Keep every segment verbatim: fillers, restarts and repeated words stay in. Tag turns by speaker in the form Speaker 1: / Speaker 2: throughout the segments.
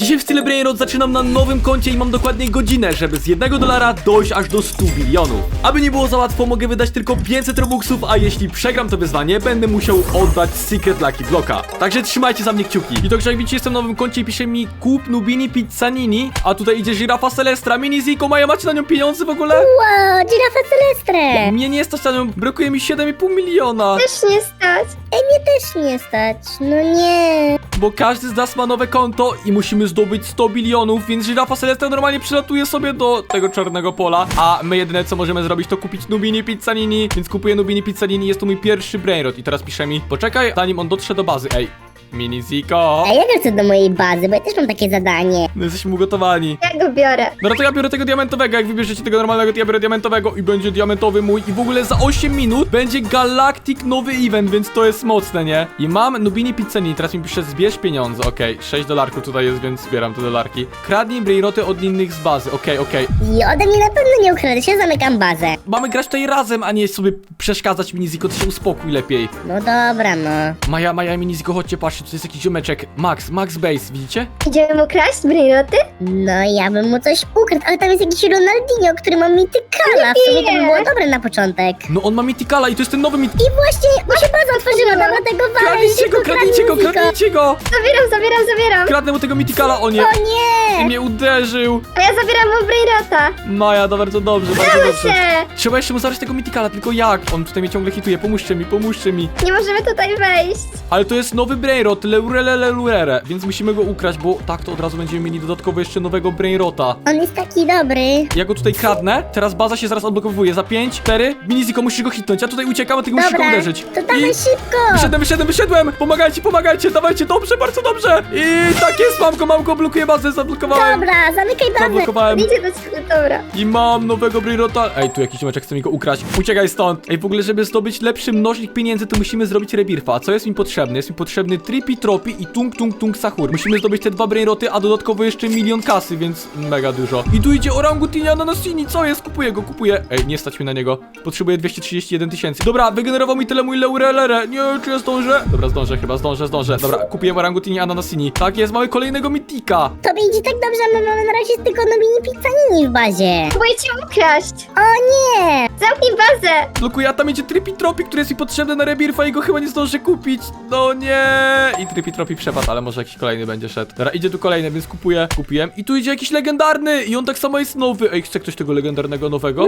Speaker 1: Dzisiaj w style Brainrot zaczynam na nowym koncie i mam dokładnie godzinę, żeby z jednego dolara dojść aż do stu bilionów. Aby nie było za łatwo, mogę wydać tylko pięćset robuxów, a jeśli przegram to wyzwanie, będę musiał oddać Secret Lucky Blocka. Także trzymajcie za mnie kciuki. I to, że jak widzicie, jestem na nowym koncie i pisze mi kup Nubini Pizzanini, a tutaj idzie Żyrafa Celestra, Mini Ziko, Maja, macie na nią pieniądze w ogóle?
Speaker 2: Wow, Giraffa Celestre!
Speaker 1: Mnie nie stać na nią, brakuje mi siedem i pół miliona.
Speaker 3: Też nie stać.
Speaker 2: Ej, mnie też nie stać, no nie.
Speaker 1: Bo każdy z nas ma nowe konto i musimy zdobyć sto bilionów, więc Żyrafa Celestra normalnie przylatuje sobie do tego czarnego pola, a my jedyne co możemy zrobić to kupić Nubini Pizzanini, więc kupuję Nubini Pizzanini, jest to mój pierwszy Brainrot i teraz pisze mi, poczekaj zanim on dotrze do bazy, ej. Mini Ziko.
Speaker 2: A ja chcę do mojej bazy, bo ja też mam takie zadanie.
Speaker 1: No jesteśmy ugotowani.
Speaker 3: Ja go biorę.
Speaker 1: Dobra, to ja biorę tego diamentowego, jak wybierzecie tego normalnego, to ja biorę diamentowego i będzie diamentowy mój i w ogóle za osiem minut będzie Galactic nowy event, więc to jest mocne, nie? I mam Nubini Pizzanini, teraz mi pisze zbierz pieniądze, okej, okay. sześć dolarków tutaj jest, więc zbieram te dolarki. Kradnij Brainroty od innych z bazy, okej, okay, okej. Okay.
Speaker 2: I ode mnie na pewno nie ukradłeś, ja zamykam bazę.
Speaker 1: Mamy grać tutaj razem, a nie sobie przeszkadzać, Mini Ziko, ty się uspokój lepiej.
Speaker 2: No dobra, no.
Speaker 1: Maja, Maja i Mini Ziko, chodźcie, patrzcie, to jest jakiś ziomeczek. Max, Max Base, widzicie?
Speaker 3: Idziemy mu kraść Brainroty?
Speaker 2: No ja bym mu coś ukradł, ale tam jest jakiś Ronaldinho, który ma mitykala. W sumie to by było dobre na początek.
Speaker 1: No on ma Mythicala i to jest ten nowy Myth...
Speaker 2: I właśnie, mu się baza otworzyła, dobra, tego walę.
Speaker 1: Kradnijcie go, kradnijcie go, kradnijcie go!
Speaker 3: Zabieram, zabieram, zabieram.
Speaker 1: Kradnę mu tego Mythicala, o nie!
Speaker 2: O
Speaker 1: I
Speaker 2: nie!
Speaker 1: mnie uderzył!
Speaker 3: A ja zabieram mu Brainrota.
Speaker 1: Maja, to bardzo dobrze, bardzo
Speaker 3: Udało
Speaker 1: dobrze.
Speaker 3: się.
Speaker 1: Trzeba jeszcze mu zabrać tego Mythicala, tylko jak? On tutaj mnie ciągle hituje, pomóżcie mi, pomóżcie mi.
Speaker 3: Nie możemy tutaj wejść.
Speaker 1: Ale to jest nowy Brainrot, Leurele Leurere, więc musimy go ukraść, bo tak to od razu będziemy mieli dodatkowo jeszcze nowego Brainrota.
Speaker 2: On jest taki dobry.
Speaker 1: Ja go tutaj kradnę, teraz baza się zaraz odblokowuje, za pięć, cztery, Miniziko musisz go hitnąć, ja tutaj uciekam, a ty go musisz go
Speaker 2: Dobra,
Speaker 1: uderzyć.
Speaker 2: to dawaj
Speaker 1: I...
Speaker 2: szybko.
Speaker 1: Wyszedłem, wyszedłem, wyszedłem! Pomagajcie, pomagajcie, dawajcie, dobrze, bardzo dobrze! I tak jest, mam go, mam go, blokuję bazę, zablokowałem.
Speaker 2: Dobra, zamykaj bazę.
Speaker 1: Zablokowałem.
Speaker 3: Idzie do ciebie, dobra.
Speaker 1: I mam nowego Brainrota. Ej, tu jakiś meczek chce mi go ukraść. Uciekaj stąd. Ej, w ogóle, żeby zdobyć lepszy mnożnik pieniędzy, to musimy zrobić rebirfa. A co jest mi potrzebne? Jest mi potrzebny Trippy Tropi i Tung Tung Tung Sahur. Musimy zdobyć te dwa Brainroty, a dodatkowo jeszcze milion kasy, więc mega dużo. I tu idzie Orangutini Ananasini. Co jest? Kupuję go, kupuję. Ej, nie stać mi na niego. Potrzebuję dwieście trzydzieści jeden tysięcy. Dobra, wygenerował mi tyle mój Leurelere. Nie, czy ja zdążę? Dobra, zdążę, chyba zdążę, zdążę. Dobra, kupiłem Orangutini Ananasini. Tak jest, mamy kolejnego Mythika.
Speaker 2: Tobie idzie tak dobrze, a my mamy na razie tylko Nubini Pizzanini w bazie.
Speaker 3: Próbuję cię ukraść.
Speaker 2: O nie!
Speaker 3: Zamknij bazę.
Speaker 1: Blokuję, a tam idzie Trippy Tropi, który jest mi potrzebny na rebirfa i go chyba nie zdążę kupić. No nie. I Trippy Tropi przepadł, ale może jakiś kolejny będzie szedł. Dobra, idzie tu kolejny, więc kupuję. Kupiłem. I tu idzie jakiś legendarny. I on tak samo jest nowy. Ej, chce ktoś tego legendarnego nowego?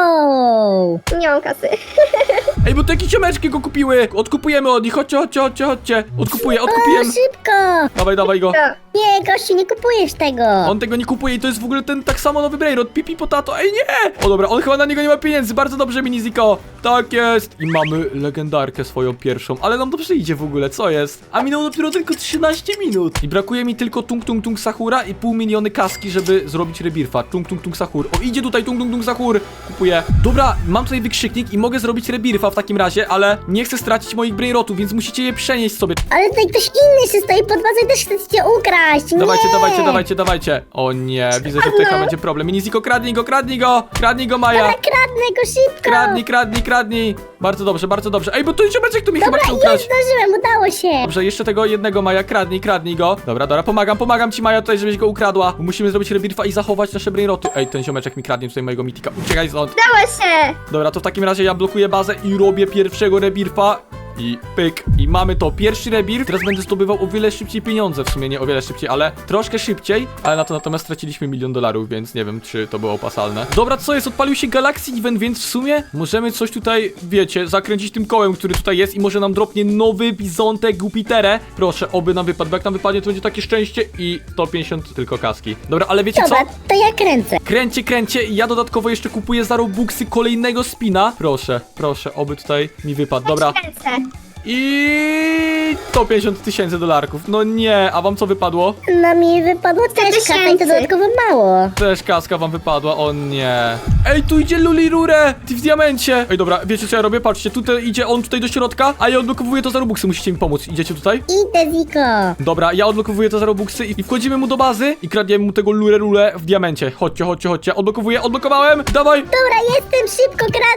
Speaker 2: Wow!
Speaker 3: Nie mam kasy.
Speaker 1: Ej, bo te jakieś ciomeczki go kupiły. Odkupujemy od nich. Chodźcie, chodźcie, chodźcie, chodźcie. Odkupuję,
Speaker 2: O,
Speaker 1: odkupiłem.
Speaker 2: szybko!
Speaker 1: Dawaj, dawaj go.
Speaker 3: To.
Speaker 2: Nie, gościu, nie kupujesz tego.
Speaker 1: On tego nie kupuje i to jest w ogóle ten tak samo nowy Brainrot. Pipi Potato. Ej, nie! O dobra, on chyba na niego nie ma pieniędzy. Bardzo dobrze, Mini Ziko. Tak jest. I mamy legendarkę swoją pierwszą. Ale nam dobrze idzie w ogóle, co jest? A minęło dopiero tylko trzynaście minut. I brakuje mi tylko Tung Tung Tung Sahura i pół miliony kaski, żeby zrobić rebirfa. Tung Tung Tung Sahur. O, idzie tutaj Tung Tung Tung Sahur. Kupuję. Dobra, mam tutaj wykrzyknik i mogę zrobić rebirfa w takim razie, ale nie chcę stracić moich Brainrotów, więc musicie je przenieść sobie.
Speaker 2: Ale tutaj ktoś inny się stoi pod bazą i też chce cię ukraść.
Speaker 1: Dawajcie,
Speaker 2: nie.
Speaker 1: dawajcie, dawajcie, dawajcie. O nie, widzę, że tutaj chyba będzie problem. Mini Ziko, kradnij go, kradnij go. Kradnij go, Maja.
Speaker 2: Dobra, kradnę go szybko.
Speaker 1: Kradnij, kradnij, kradnij. Bardzo dobrze, bardzo dobrze. Ej, bo tu ziomeczek tu mi
Speaker 2: Dobra,
Speaker 1: chyba chce
Speaker 2: już
Speaker 1: ukraść.
Speaker 2: zdążyłem, udało się.
Speaker 1: Dobrze, jeszcze tego jednego Maja, kradnij, kradnij go. Dobra, dobra, pomagam, pomagam ci Maja tutaj, żebyś go ukradła. Bo musimy zrobić rebirfa i zachować nasze Brainroty. Ej, ten ziomeczek mi kradnie tutaj mojego mitika. Uciekaj stąd.
Speaker 3: Udało się.
Speaker 1: Dobra, to w takim razie ja blokuję bazę i robię pierwszego rebirfa. I pyk. I mamy to. Pierwszy rebirf. Teraz będę zdobywał o wiele szybciej pieniądze. W sumie nie o wiele szybciej, ale troszkę szybciej. Ale na to natomiast straciliśmy milion dolarów, więc nie wiem, czy to było opłacalne. Dobra, co jest? Odpalił się Galaxy Event, więc w sumie możemy coś tutaj, wiecie, zakręcić tym kołem, który tutaj jest i może nam dropnie nowy Bizontek Jupiterę. Proszę, oby nam wypadł. Bo jak nam wypadnie, to będzie takie szczęście i sto pięćdziesiąt tylko kaski. Dobra, ale wiecie
Speaker 2: Dobra,
Speaker 1: co?
Speaker 2: to ja kręcę.
Speaker 1: Kręcie, kręcie i ja dodatkowo jeszcze kupuję za Robuxy kolejnego spina. Proszę, proszę, oby tutaj mi wypadł. Dobra.
Speaker 3: Ręce.
Speaker 1: I sto pięćdziesiąt tysięcy dolarków. No nie, a wam co wypadło?
Speaker 2: No mi wypadło też kasa i to
Speaker 3: tysięcy.
Speaker 2: dodatkowo mało.
Speaker 1: Też kaska wam wypadła, o nie. Ej, tu idzie Lulirure, ty w diamencie. Ej, dobra, wiecie co ja robię? Patrzcie, tutaj idzie on tutaj do środka, a ja odblokowuję to za Robuxy, musicie mi pomóc. Idziecie tutaj?
Speaker 2: Idę, Ziko.
Speaker 1: Dobra, ja odblokowuję to za Robuxy i wchodzimy mu do bazy i kradniemy mu tego Lurerule w diamencie. Chodźcie, chodźcie, chodźcie. Odblokowuję, odblokowałem. Dawaj.
Speaker 2: Dobra, jestem, szybko kradnij.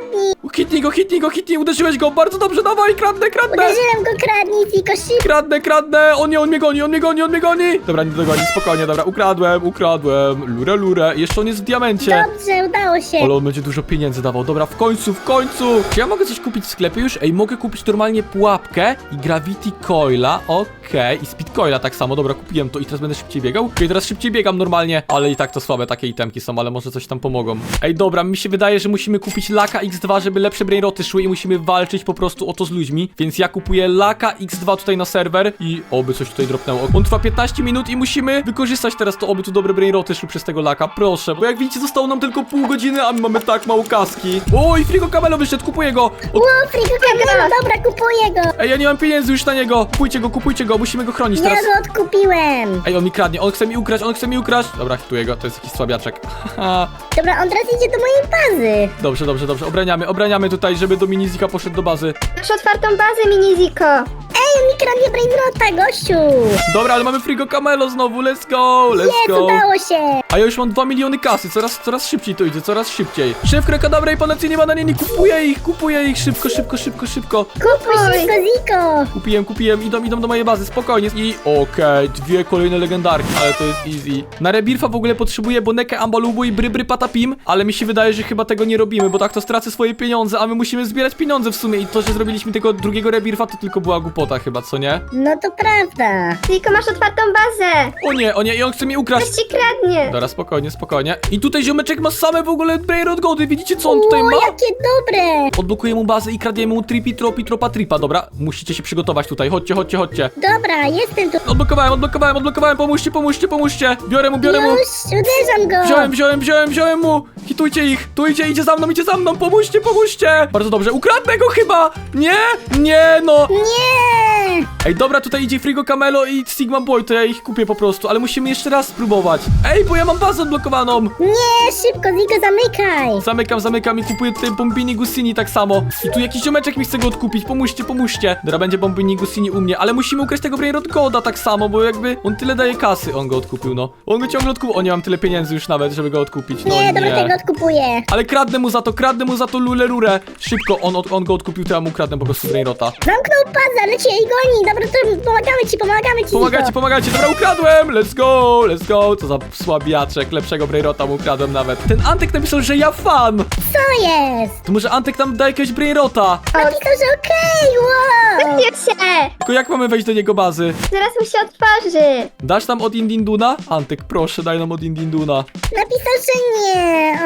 Speaker 1: Hitnij go, hitnij go, hitnij, uderzyłeś go, bardzo dobrze, dawaj, kradnę, kradnę.
Speaker 2: Uderzyłem go, kradnij, Ziko, szybko.
Speaker 1: Kradnę, kradnę, on nie, on mnie goni, on mnie goni, on mnie goni. Dobra, nie dogoni, spokojnie, dobra, ukradłem, ukradłem, lurę, lurę, jeszcze on jest w diamencie.
Speaker 2: Dobrze, udało się.
Speaker 1: Ale on będzie dużo pieniędzy dawał, dobra, w końcu, w końcu. Czy ja mogę coś kupić w sklepie już? Ej, mogę kupić normalnie pułapkę i Gravity Coila, okej, i Speed Coila tak samo, dobra, kupiłem to i teraz będę szybciej biegał. Okej, teraz szybciej biegam normalnie, ale i tak to słabe takie itemki są, ale może coś tam pomogą. Ej, dobra, mi się wydaje, że musimy kupić Laka X dwa, żeby lepsze brainroty szły i musimy walczyć po prostu o to z ludźmi, więc ja kupuję Laka X dwa tutaj na serwer i oby coś tutaj dropnęło. On trwa piętnaście minut i musimy wykorzystać teraz to, oby tu dobre brainroty szły przez tego Laka, proszę, bo jak widzicie zostało nam tylko pół godziny, a my mamy tak mało kaski. Oj, Frigo Camelo wyszedł, kupuję go. O,
Speaker 2: Ło, Frigo Camelo, dobra, kupuję go.
Speaker 1: ej, ja nie mam pieniędzy już na niego. Kupujcie go, kupujcie go, musimy go chronić
Speaker 2: Ja
Speaker 1: teraz.
Speaker 2: go odkupiłem.
Speaker 1: Ej, on mi kradnie, on chce mi ukraść, on chce mi ukraść. Dobra, hituję go, to jest jakiś słabiaczek. Haha.
Speaker 2: Dobra, on teraz idzie do mojej bazy.
Speaker 1: Dobrze, dobrze, dobrze, obraniamy, obraniamy tutaj, żeby do Minizika poszedł do bazy.
Speaker 3: Masz otwartą bazę, Miniziko.
Speaker 2: Ej, on mi kradnie brainrota, gościu.
Speaker 1: Dobra, ale mamy Frigo Camelo znowu, let's go, let's
Speaker 2: Jest,
Speaker 1: go.
Speaker 2: udało się.
Speaker 1: A ja już mam dwa miliony kasy, coraz, coraz szybciej to idzie, coraz szybciej. Szef Krekadabra i Panacyjnie Bananieni, kupuję ich, kupuję ich, szybko, szybko, szybko, szybko.
Speaker 2: Kupuj szybko, Ziko.
Speaker 1: Kupiłem, kupiłem, idą, idą do mojej bazy, spokojnie. I okej, dwie kolejne legendarki, ale to jest easy. Na Rebirfa w ogóle potrzebuję Bonekę, Ambalubu i Brybry Patapim, ale mi się wydaje, że chyba tego nie robimy, bo tak to stracę swoje pieniądze, a my musimy zbierać pieniądze w sumie i to, że zrobiliśmy tego drugiego Rebirfa, to tylko była głupota chyba, co nie?
Speaker 2: No to prawda.
Speaker 3: Ziko, masz otwartą bazę.
Speaker 1: O nie, o nie, i on chce mi ukraść.
Speaker 3: Ktoś ci kradnie.
Speaker 1: Dobra, spokojnie, spokojnie. I tutaj ziomeczek ma same w ogóle Brainrod Gody, widzicie co on tutaj
Speaker 2: O,
Speaker 1: ma?
Speaker 2: jakie dobre.
Speaker 1: Odblokuję mu bazę i kradniemy mu tripi, tropi, tropa, tripa, dobra? Musicie się przygotować tutaj, chodźcie, chodźcie, chodźcie.
Speaker 2: Dobra, jestem tu.
Speaker 1: Odblokowałem, odblokowałem, odblokowałem, pomóżcie, pomóżcie, pomóżcie. Biorę mu, biorę mu.
Speaker 2: Już, uderzam go.
Speaker 1: Wziąłem, wziąłem, wziąłem, wziąłem mu! Hitujcie ich! Tu idzie, idzie za mną, idzie za mną! Pomóżcie, pomóżcie! Bardzo dobrze, ukradnę go chyba! Nie! Nie, no!
Speaker 2: Nie.
Speaker 1: Ej, dobra, tutaj idzie Frigo Camelo i Sigma Boy, to ja ich kupię po prostu, ale musimy jeszcze raz spróbować. Ej, bo ja mam bazę odblokowaną!
Speaker 2: Nie, szybko, Ziko, zamykaj.
Speaker 1: Zamykam, zamykam i kupuję tutaj Bombini Gusini tak samo. I tu jakiś ziomeczek mi chce go odkupić, pomóżcie, pomóżcie. Dobra, będzie Bombini Gusini u mnie, ale musimy ukraść tego Brainrod Goda tak samo, bo jakby on tyle daje kasy, on go odkupił, no. On go ciągle odkupił, o nie mam tyle pieniędzy już nawet, żeby go odkupić, no
Speaker 2: Nie,
Speaker 1: nie.
Speaker 2: dobra, tego odkupuję.
Speaker 1: Ale kradnę mu za to, kradnę mu za to lulerurę. Szybko, on, on go odkupił, to ja mu kradnę po prostu Brainrota.
Speaker 2: Zamknął bazę, ale cię i goni. Dobra, to pomagamy ci, pomagamy ci,
Speaker 1: Pomagajcie,
Speaker 2: Ziko.
Speaker 1: pomagajcie, dobra, ukradłem! Let's go, let's go! Co za słabiaczek, lepszego Brainrota mu ukradłem nawet. Ten Antek napisał, że ja fan!
Speaker 2: Co jest?
Speaker 1: To może Antek nam da jakiegoś Brainrota?
Speaker 2: Napisał, że okej, wow.
Speaker 3: Nie się.
Speaker 1: Tylko jak mamy wejść do niego bazy?
Speaker 3: Zaraz mu się otworzy.
Speaker 1: Dasz nam od Indinduna? Antek, proszę, daj nam od Indinduna.
Speaker 2: Napisał, że nie.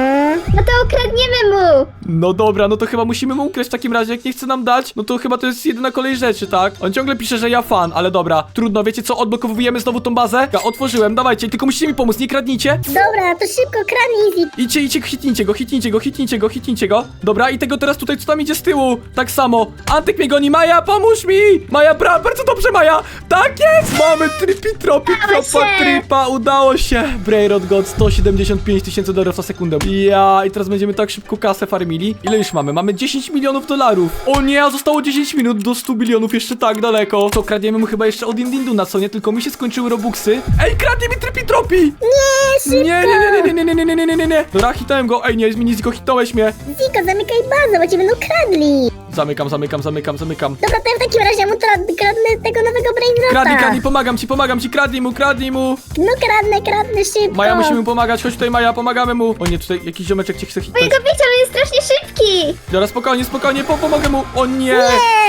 Speaker 2: O.
Speaker 3: No to ukradniemy mu.
Speaker 1: No dobra, no to chyba musimy mu ukraść w takim razie, jak nie chce nam dać, no to chyba to jest jedyna kolej rzeczy, tak? On ciągle pisze, że ja fan, ale dobra, trudno, wiecie co, odblokowujemy znowu tą bazę? Ja otworzyłem, dawajcie, tylko musicie mi pomóc, nie kradnijcie.
Speaker 2: Dobra, to szybko, kradnij, Ziko.
Speaker 1: Idźcie, idźcie, hitnijcie go, hitnijcie go, hitnijcie go, hitnijcie go. Dobra, i tego teraz tutaj, co tam idzie z tyłu? Tak samo. Antek mnie goni, Maja, pomóż mi! Maja, bra, bardzo dobrze, Maja! Tak jest! Mamy tripi, tropi,
Speaker 3: Udało
Speaker 1: tropa,
Speaker 3: się!
Speaker 1: tripa, udało się! Brainrod God, sto siedemdziesiąt pięć tysięcy dolarów na sekundę. Ja, i teraz będziemy tak szybko kasę farmili. Ile już mamy? Mamy dziesięć milionów dolarów. O nie, a zostało dziesięć minut do stu bilionów, jeszcze tak daleko. To kradniemy mu chyba jeszcze od Indinduna, co nie? Tylko mi się skończyły robuxy. Ej, kradnie mi tripi, tropi!
Speaker 2: Nie, szybko.
Speaker 1: Nie, nie, nie, nie, nie, nie, nie, nie, nie, nie, nie. Dobra, hitałem go. Ej, nie, Miniziko, hitałeś mnie.
Speaker 2: Ziko, zamykaj bazę, bo cię będą kradli.
Speaker 1: Zamykam, zamykam, zamykam, zamykam.
Speaker 2: Dobra, to ja w takim razie mu tra- kradnę tego nowego brainrota.
Speaker 1: Kradnij, kradnij, pomagam ci, pomagam ci, kradnij mu, kradnij mu.
Speaker 2: No kradnę, kradnę szybko.
Speaker 1: Maja, musimy mu pomagać, chodź tutaj, Maja, pomagamy mu. O nie, tutaj jakiś ziomeczek cię chce hitać.
Speaker 3: Mojego bicia, on jest strasznie szybki.
Speaker 1: Dobra, spokojnie, spokojnie, po pomogę mu. O nie.
Speaker 2: Nie.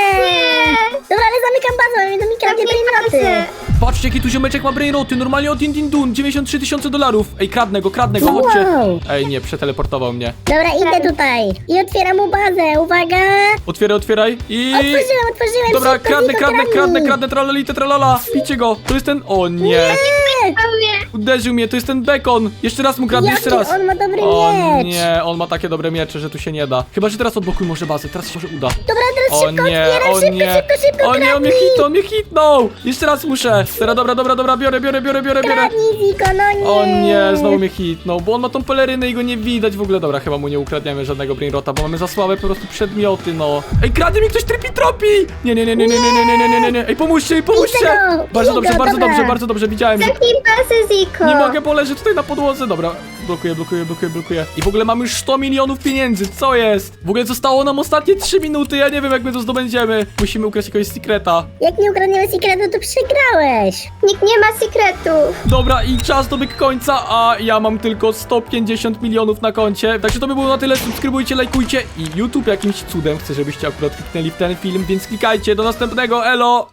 Speaker 2: Dobra, ale zamykam bazę, bo będą mi kradnie brainroty.
Speaker 1: Patrzcie, jaki tu ziomeczek ma brainroty, normalnie od Indindun, dziewięćdziesiąt trzy tysiące dolarów. Ej, kradnę go, kradnę go, chodźcie.
Speaker 2: Wow.
Speaker 1: Ej, nie, przeteleportował mnie.
Speaker 2: Dobra, idę tutaj. I otwieram mu bazę, uwaga.
Speaker 1: Otwieraj, otwieraj i...
Speaker 2: Otworzyłem, otworzyłem,
Speaker 1: Dobra,
Speaker 2: szybko,
Speaker 1: kradnę,
Speaker 2: Ziko,
Speaker 1: kradnę,
Speaker 2: kradnij.
Speaker 1: kradnę, kradnę, tralalite, tralala. Picie go, to jest ten... O nie.
Speaker 2: Nie.
Speaker 3: O mnie.
Speaker 1: Uderzył mnie, to jest ten bekon. Jeszcze raz mu kradnę,
Speaker 2: Jaki
Speaker 1: jeszcze raz.
Speaker 2: on ma dobry
Speaker 1: O
Speaker 2: miecz.
Speaker 1: nie, on ma takie dobre miecze, że tu się nie da. Chyba, że teraz odblokuj może bazę, teraz się może uda.
Speaker 2: Dobra, teraz
Speaker 1: O
Speaker 2: szybko
Speaker 1: nie,
Speaker 2: otwieram,
Speaker 1: o
Speaker 2: szybko,
Speaker 1: nie.
Speaker 2: szybko, szybko,
Speaker 1: O nie, on mnie
Speaker 2: kradnij.
Speaker 1: hitnął, on mnie hitnął. Jeszcze raz muszę. Teraz, dobra, dobra, dobra, biorę, biorę, biorę, biorę, biorę.
Speaker 2: Kradnij, Ziko, no nie.
Speaker 1: O nie, znowu mnie hitnął, bo on ma tą pelerynę i go nie widać w ogóle. Dobra, chyba mu nie ukradniemy żadnego brainrota, bo mamy za słabe po prostu przedmioty, no. Ej, kradnie mi ktoś tripi tropi! Nie, nie, nie, nie, nie, nie, nie, nie, nie, nie, nie. Ej, pomóżcie mi, pomóżcie!
Speaker 2: Widzę go,
Speaker 1: Bardzo
Speaker 2: widzę
Speaker 1: dobrze,
Speaker 2: go,
Speaker 1: bardzo
Speaker 2: dobra.
Speaker 1: dobrze, bardzo dobrze, widziałem, że...
Speaker 3: Zamknij pasy, Ziko.
Speaker 1: Nie mogę, bo leżę tutaj na podłodze. Dobra, blokuję, blokuję, blokuję, blokuję. I w ogóle mamy już sto milionów pieniędzy, co jest? W ogóle zostało nam ostatnie trzy minuty, ja nie wiem jak my to zdobędziemy. Musimy ukraść jakiegoś secreta.
Speaker 2: Jak nie ukradniemy sekretu, to przegrałeś.
Speaker 3: Nikt nie ma sekretów.
Speaker 1: Dobra, i czas dobiegł końca, a ja mam tylko sto pięćdziesiąt milionów na koncie. Także to by było na tyle, subskrybujcie, lajkujcie i YouTube jakimś cudem chce, żebyście akurat kliknęli w ten film, więc klikajcie, do następnego, elo!